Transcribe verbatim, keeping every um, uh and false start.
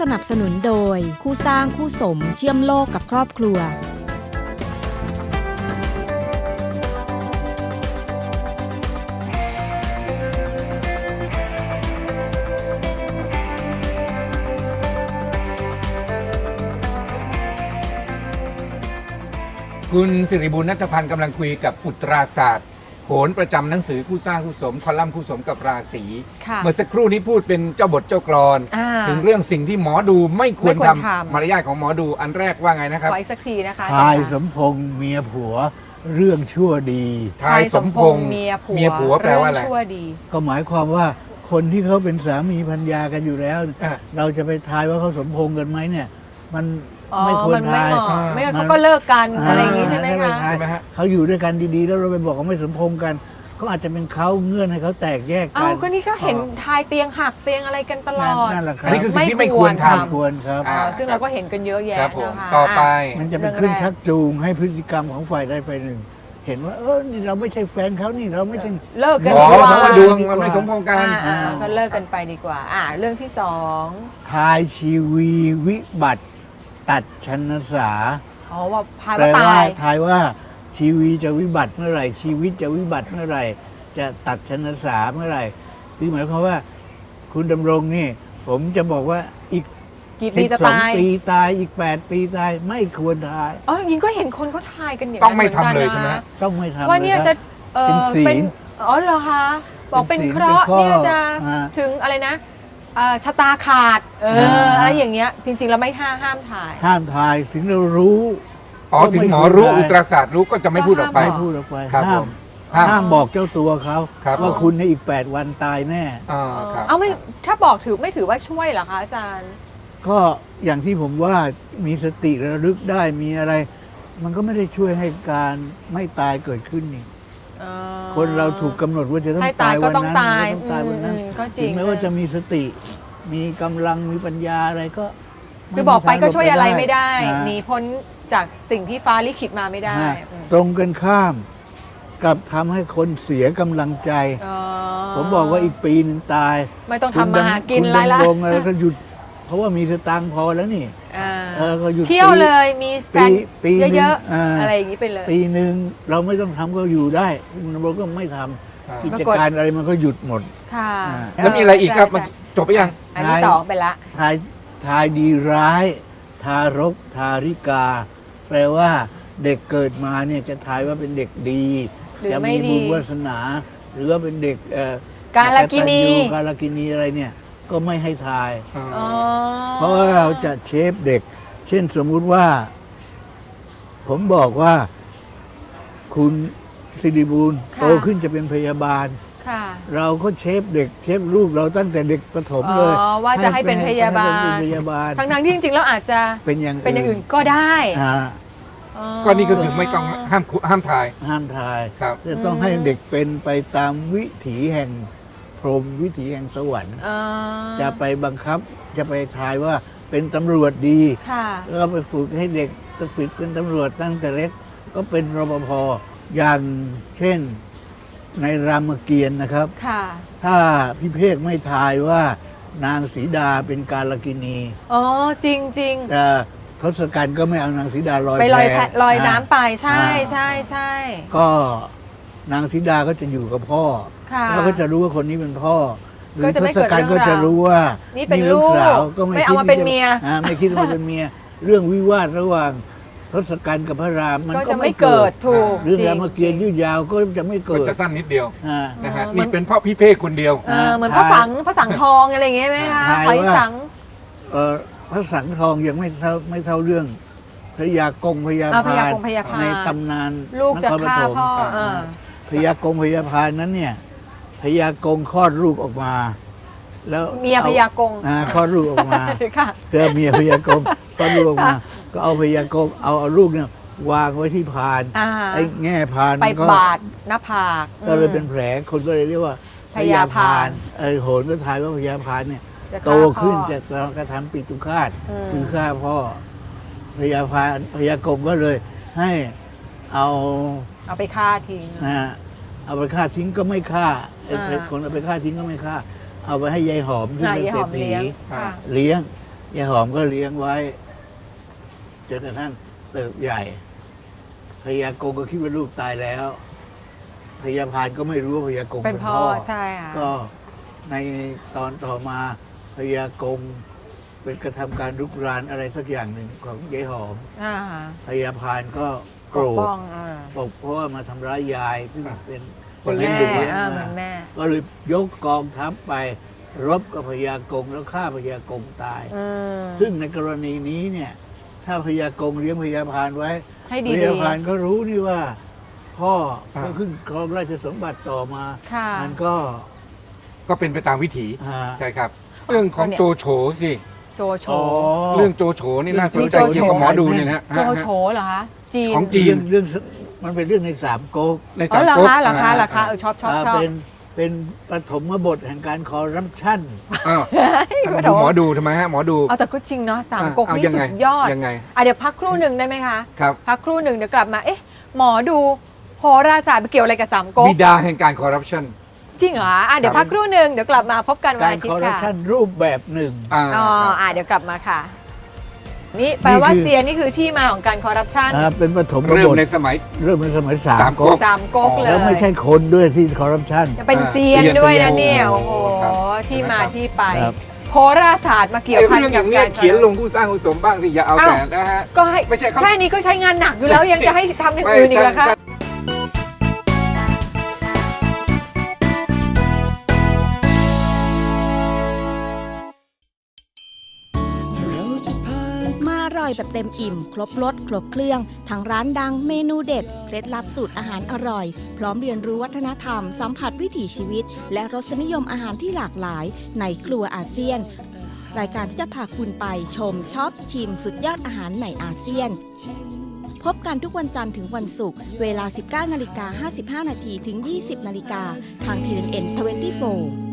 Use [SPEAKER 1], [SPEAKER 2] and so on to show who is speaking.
[SPEAKER 1] สนับสนุนโดยคู่สร้างคู่สมเชื่อมโลกกับครอบครัว
[SPEAKER 2] คุณสิริบุญณัฐพันธ์กำลังคุยกับอุตราศาสตร์โหรประจำหนังสือคู่สร้างคู่สมคอลัมน์คู่สมกับราศีเมื่อสักครู่นี้พูดเป็นเจ้าบทเจ้ากลอนถึงเรื่องสิ่งที่หมอดูไม่ควรทำมารยาทของหมอดูอันแรกว่าไงนะครับ
[SPEAKER 3] ขออีกสักทีนะคะ
[SPEAKER 4] ทายสมพงษ์เมียผัวเรื่องชั่วดี
[SPEAKER 3] ทายสมพงษ์เมียผัว
[SPEAKER 2] เมียผัวแปลว่าอะไร
[SPEAKER 3] ชั่วดี
[SPEAKER 4] ก็หมายความว่าคนที่เขาเป็นสามีภรรยากันอยู่แล้วเราจะไปทายว่าเขาสมพงษ์กันไหมเนี่ยมันไม่ควรทาย
[SPEAKER 3] ไม่งั้นเขาก็เลิกกันอะไรอย่างนี้ใช่ไหมคะ
[SPEAKER 4] เขาอยู่ด้วยกันดีๆแล้วเราไปบอกเขาไม่สมพงษ์กันก็อาจจะเป็นเขาเงื่อนให้เขาแตกแยกกัน
[SPEAKER 3] อ้าวก็นี่ก็เห็นทายเตียงหักเตียงอะไรกันตลอด
[SPEAKER 4] นั่นแหละครับ
[SPEAKER 2] นี่คือสิ่งที่ไม่ควรท
[SPEAKER 4] ำควรครับ
[SPEAKER 3] ซึ่งเราก็เห็นกันเยอะแยะนะคะ
[SPEAKER 2] ต่อไป
[SPEAKER 4] มันจะเป็นเครื่องชักจูงให้พฤติกรรมของฝ่ายใดฝ่ายหนึ่งเห็นว่าเออนี่เราไม่ใช่แฟนเขานี่เราไม่ใช่
[SPEAKER 3] เลิกกัน
[SPEAKER 2] ดีกว่าเพราะว่าดวงมันไม่สมพงษ์กัน
[SPEAKER 3] ก็เลิกกันไปดีกว่าอ่าเรื่องที่สอง
[SPEAKER 4] ทายชีวีวิบัติตัดชนสา
[SPEAKER 3] อ๋อว่าทายว่าตาย
[SPEAKER 4] ทายว่าชีวีจะวิบัติเมื่อไหร่ชีวิตจะวิบัติเมื่อไหร่จะตัดชนสาเมื่อไหร่คือหมายความว่าคุณดำรงนี่ผมจะบอกว่าอีก
[SPEAKER 3] กี่ปีจะตาย
[SPEAKER 4] ปีตายอีกแปดปีตายไม่ควรทาย
[SPEAKER 3] อ๋อยิงก็เห็นคนเขาทายกันอย่าง
[SPEAKER 2] ต้องไม่ทำเลยใช่ไหม
[SPEAKER 4] ต้องไม่ทำ
[SPEAKER 3] ว่าเนี่ยจะ
[SPEAKER 4] เป็นศีล
[SPEAKER 3] อ๋อเหรอคะบอกเป็นเคราะห์เนี่ยจะถึงอะไรนะชะตาขาดเอออะไรอย่างเงี้ยจริงๆเราไม่ห้ามห้ามถ่าย
[SPEAKER 4] ห้ามถ่ายถึงเรารู้
[SPEAKER 2] อ๋อถึงหมอรู้อุตราศาสตร์รู้ก็จะไม่พูดออกไป
[SPEAKER 4] ไม่พูดออกไปห้ามห้ามบอกเจ้าตัวเขาว่าคุณในอีกแปดวันตายแน่
[SPEAKER 3] เอาไม่ถ้าบอกถือไม่ถือว่าช่วยเหรอคะอาจารย์
[SPEAKER 4] ก็อย่างที่ผมว่ามีสติระลึกได้มีอะไร มันก็ไม่ได้ช่วยให้การไม่ตายเกิดขึ้นนี่คนเราถูกกำหนดว่าจะต้องตายวันนั้นต้องตายวันนั้นถึงแม้ว่าจะมีสติมีกำลังมีปัญญาอะไรก็
[SPEAKER 3] คือบอกไปก็ช่วยอะไรไม่ได้หนีพ้นจากสิ่งที่ฟ้าลิขิตมาไม่ได้
[SPEAKER 4] ตรงกันข้ามกลับทำให้คนเสียกำลังใจผมบอกว่าอีกปีหนึ่งตาย
[SPEAKER 3] ไม่ต้องทำมาหากินอะไรละ
[SPEAKER 4] อะไรก็หยุดเพราะว่ามีสตางค์พอแล้วนี่
[SPEAKER 3] เออก็หยุดเที่ยวเลยมีแฟนเยอะๆอะไรอย่างนี้ไปเลย
[SPEAKER 4] ปีหนึ่งเราไม่ต้องทำก็อยู่ได้เราก็ไม่ทำกิจการอะไรมันก็หยุดหมด
[SPEAKER 3] ค่ะ
[SPEAKER 2] แล้วมีอะไรอีกครับจบไปยัง
[SPEAKER 3] อันที่สองไปละ
[SPEAKER 4] ทายทายดีร้ายทารกทาริกาแปลว่าเด็กเกิดมาเนี่ยจะทายว่าเป็นเด็กดีจะมีบุญวาสนาหรือว่าเป็นเด็ก
[SPEAKER 3] กาลกินี
[SPEAKER 4] กาลกินีอะไรเนี่ยก็ไม่ให้ทายเพราะว่าเราจะเชฟเด็กเช่นสมมุติว่าผมบอกว่าคุณสิริบูรณ์โตขึ้นจะเป็นพยาบาลเราก็เชฟเด็กเชฟลูกเราตั้งแต่เด็กประถมเลย
[SPEAKER 3] ว่าจะให้เป็นพยาบาลทั้งนั้นที่จริงๆแล้วอาจจะ
[SPEAKER 4] เป็นอย่าง
[SPEAKER 3] เป็นอย่างอื่นก็ได้
[SPEAKER 2] ก็นี่ก็คือไม่ต้องห้ามห้ามทาย
[SPEAKER 4] ห้ามทายจะต้องให้เด็กเป็นไปตามวิถีแห่งพรหมวิถีแห่งสวรรค์จะไปบังคับจะไปทายว่าเป็นตำรวจดีแล้วก็ไปฝึกให้เด็กจะฝึกเป็นตำรวจตั้งแต่เล็กก็เป็นรปภอย่างเช่นในรามเกียรติ์นะครับถ้าพี่เพกไม่ทายว่านางสีดาเป็นกาลกินี
[SPEAKER 3] อ๋อจริงจริง
[SPEAKER 4] แต่ทศกัณฐ์ก็ไม่เอานางสีดาลอย
[SPEAKER 3] ไปลอยลอยน้ำไปใช่ใช่ใช่
[SPEAKER 4] ก็นางสีดาก็จะอยู่กับพ่อแล้วก็จะรู้ว่าคนนี้เป็นพ่อหรือทศกัณฐ์ก็จะรู้ว่า
[SPEAKER 3] นี่เป็นลูกสาวก็ไม่เอามาเป็นเมีย
[SPEAKER 4] ไม่คิดว่าเป็นเมียเรื่องวิวาทระหว่างทศกัณฐ์กับพระรามมันก็ไม่
[SPEAKER 3] เกิดถูก
[SPEAKER 4] เรื่องรามเกียรติ์ยืดยาวก็จะไม่เกิด
[SPEAKER 2] จะสั้นนิดเดียวนะฮะนี่เป็นพ่อพี่เพกคนเดียว
[SPEAKER 3] เหมือนพระสังพระสังทองอะไรอย่างเงี้ยไหมคะหอยสัง
[SPEAKER 4] พระสังทองยังไม่เท่าไม่เท่าเรื่องพระยากงพญาพานในตำนาน
[SPEAKER 3] ลูกจะฆ่าพ่อ
[SPEAKER 4] พญากงพญาพานนั้นเนี่ยพญากงคลอดลูกออกมาแล้ว
[SPEAKER 3] เมียพญากง
[SPEAKER 4] คลอดลูกออกมาเพื่อเมียพญากงคลอดลูกออกมาก็เอาพญากงเอาเอาลูกเนี่ยวางไว้ที่พานไอ้แง่พาน
[SPEAKER 3] ไปบาดหน้าผาก
[SPEAKER 4] ก็เลยเป็นแผลคนก็เลยเรียกว่า
[SPEAKER 3] พญาพาน
[SPEAKER 4] ไอ้โหนก็ทายว่าพญาพานเนี่ยโตขึ้นจะกระทำปิตุฆาตคือฆ่าพ่อพญาพานพญากงก็เลยให้เอา
[SPEAKER 3] เอาไปฆ่าทิ้ง
[SPEAKER 4] นะเอาไปฆ่าทิ้งก็ไม่ฆ่าไอ้คนเอาไปฆ่าทิ้งก็ไม่ฆ่าเอาไปให้ยายหอมที่เป็นเศรษฐีเลี้ยงยายหอมก็เลี้ยงไว้จนกระทั่งเติบใหญ่พญากงก็คิดว่าลูกตายแล้วพญาพานก็ไม่รู้ว่าพญากง
[SPEAKER 3] เป็
[SPEAKER 4] เป็น น
[SPEAKER 3] พ่
[SPEAKER 4] พ่
[SPEAKER 3] อ
[SPEAKER 4] อ
[SPEAKER 3] ใช่ค่ะ
[SPEAKER 4] ก็ในตอนต่อมาพญากงเป็นกระทำการรุกรานอะไรสักอย่างหนึ่งของยายหอม
[SPEAKER 3] อ่า
[SPEAKER 4] พญาพานก็โก
[SPEAKER 3] ป
[SPEAKER 4] ร
[SPEAKER 3] ก
[SPEAKER 4] ธ
[SPEAKER 3] ป้องอ่า
[SPEAKER 4] บอกเพราะว่ามาทำร้ายยายซึ่งเป็น
[SPEAKER 2] คนเลี้ยง
[SPEAKER 3] แม่
[SPEAKER 2] ดู
[SPEAKER 3] อ่าเหมือนแม่
[SPEAKER 4] ก็เลยยกกองทัพไปรบกับพญากงแล้วฆ่าพญากงตาย
[SPEAKER 3] อืม
[SPEAKER 4] ซึ่งในกรณีนี้เนี่ย ถ้าพญากงเลี้ยงพญาพานไว้
[SPEAKER 3] ให้
[SPEAKER 4] พ
[SPEAKER 3] ดี
[SPEAKER 4] ญาพานก็รู้นี่ว่า พ่อ
[SPEAKER 2] อ่า
[SPEAKER 4] ก็ขึ้นครองราชสมบัติต่อมา
[SPEAKER 3] ๆค่ะ
[SPEAKER 4] มันก็
[SPEAKER 2] ก็เป็นไปตามวิถี
[SPEAKER 4] อ่า
[SPEAKER 2] ใช่ครับ เรื่องของโจโฉสิ
[SPEAKER 3] โจโฉ
[SPEAKER 4] อ๋อ
[SPEAKER 2] เรื่องโจโฉนี่น่าสนใจ
[SPEAKER 3] เรื่องโจโฉ
[SPEAKER 2] เกี่ยวกับหมอดูเนี่ยนะ
[SPEAKER 3] โจโฉเหรอคะจีน
[SPEAKER 2] ของจี
[SPEAKER 4] เรื่องเรื่องมันเป็นเรื่องในสามก๊ก
[SPEAKER 2] ใน
[SPEAKER 3] อ๋อ
[SPEAKER 2] สาม
[SPEAKER 3] เหรอ
[SPEAKER 2] ก๊ก
[SPEAKER 3] คะเหรอคะเหรอคะเออชอบชอบ
[SPEAKER 4] อ่า
[SPEAKER 3] ชอบ
[SPEAKER 4] เป็นเป็นปฐมบทแห่งการคอร์รัปชัน
[SPEAKER 2] อ้าวดูหมอดูทำไมฮะหมอดู
[SPEAKER 3] เอาแต่ก็จริงเนาะสามก๊ก
[SPEAKER 2] เอา
[SPEAKER 3] นี่
[SPEAKER 2] ยัง
[SPEAKER 3] สุ
[SPEAKER 2] ไง
[SPEAKER 3] ดยอด
[SPEAKER 2] ยังไง
[SPEAKER 3] อ่ะเดี๋ยวพักครู่หนึ่งได้ไหมคะ
[SPEAKER 2] ครับ
[SPEAKER 3] พักครู่หนึ่งเดี๋ยวกลับมา เอ๊ะ หมอดูโหราศาสตร์ไปเกี่ยวอะไรกับสามก๊ก
[SPEAKER 2] บิดาแห่งการคอร์รัปชัน
[SPEAKER 3] จริงเหรออ่ะเดี๋ยว
[SPEAKER 2] ครับ
[SPEAKER 3] พักครู่หนึ่งเดี๋ยวกลับมาพบกันวัน
[SPEAKER 4] การ
[SPEAKER 3] อาทิต
[SPEAKER 4] คอร์
[SPEAKER 3] ย์
[SPEAKER 4] รัป
[SPEAKER 3] ค่ะ
[SPEAKER 4] ชันรูปแบบหนึ่ง
[SPEAKER 2] อ่า
[SPEAKER 3] อ๋อ
[SPEAKER 2] ครับ
[SPEAKER 3] อ่ะเดี๋ยวกลับมาค่ะ นี่แปลว่า
[SPEAKER 4] นี่คือ
[SPEAKER 3] เซียนนี่คือที่มาของการคอร์รัปชัน
[SPEAKER 4] อ่าเป็นปฐม
[SPEAKER 2] เริ่
[SPEAKER 4] บ
[SPEAKER 2] ม
[SPEAKER 4] ท
[SPEAKER 2] ในสมัย
[SPEAKER 4] เริ่มในสมัยสาม
[SPEAKER 2] สาม
[SPEAKER 4] ก๊
[SPEAKER 2] ก๊
[SPEAKER 4] ก
[SPEAKER 2] ก
[SPEAKER 3] สามก๊กเลย
[SPEAKER 4] แล้วไม่ใช่คนด้วยที่คอร์รัปชัน
[SPEAKER 3] จะเป็น
[SPEAKER 2] อ่า
[SPEAKER 3] เซียน
[SPEAKER 2] เซียน
[SPEAKER 3] ด้วยนะเนี่ย
[SPEAKER 2] โอ้
[SPEAKER 3] โอ้โห
[SPEAKER 2] ครับ
[SPEAKER 3] ที่มาที่ไป
[SPEAKER 4] ครับ
[SPEAKER 3] โหราศาสตร์มาเกี่ยว
[SPEAKER 2] ไอ้
[SPEAKER 3] พัน
[SPEAKER 2] เรื่องอ
[SPEAKER 3] กั
[SPEAKER 2] ย่า
[SPEAKER 3] บ
[SPEAKER 2] งเงี้
[SPEAKER 3] กาย ร
[SPEAKER 2] เขียนลงผู้สร้างผู้สมบ้างสิอย่าเอา
[SPEAKER 3] อ้าว
[SPEAKER 2] แต่นะฮะ
[SPEAKER 3] ก็ให้
[SPEAKER 2] ไม่ใช่เขา
[SPEAKER 3] แค่นี้ก็ใช้งานหนักอยู่แล้วยังจะให้ทำอย่างอื่นอีกเหรอคะ
[SPEAKER 1] มาอร่อยแบบเต็มอิ่ม ครบรสครบเครื่องทั้งร้านดังเมนูเด็ดเคล็ดลับสูตรอาหารอร่อย พร้อมเรียนรู้วัฒนธรรม สัมผัสวิถีชีวิต และรสนิยมอาหารที่หลากหลายในครัวอาเซียน รายการที่จะพาคุณไปชมช็อปชิมสุดยอดอาหารในอาเซียน พบกันทุกวันจันทร์ถึงวันศุกร์เวลา สิบเก้านาฬิกาห้าสิบห้านาทีถึง ยี่สิบนาฬิกาทาง ที เอ็น เอ็น ยี่สิบสี่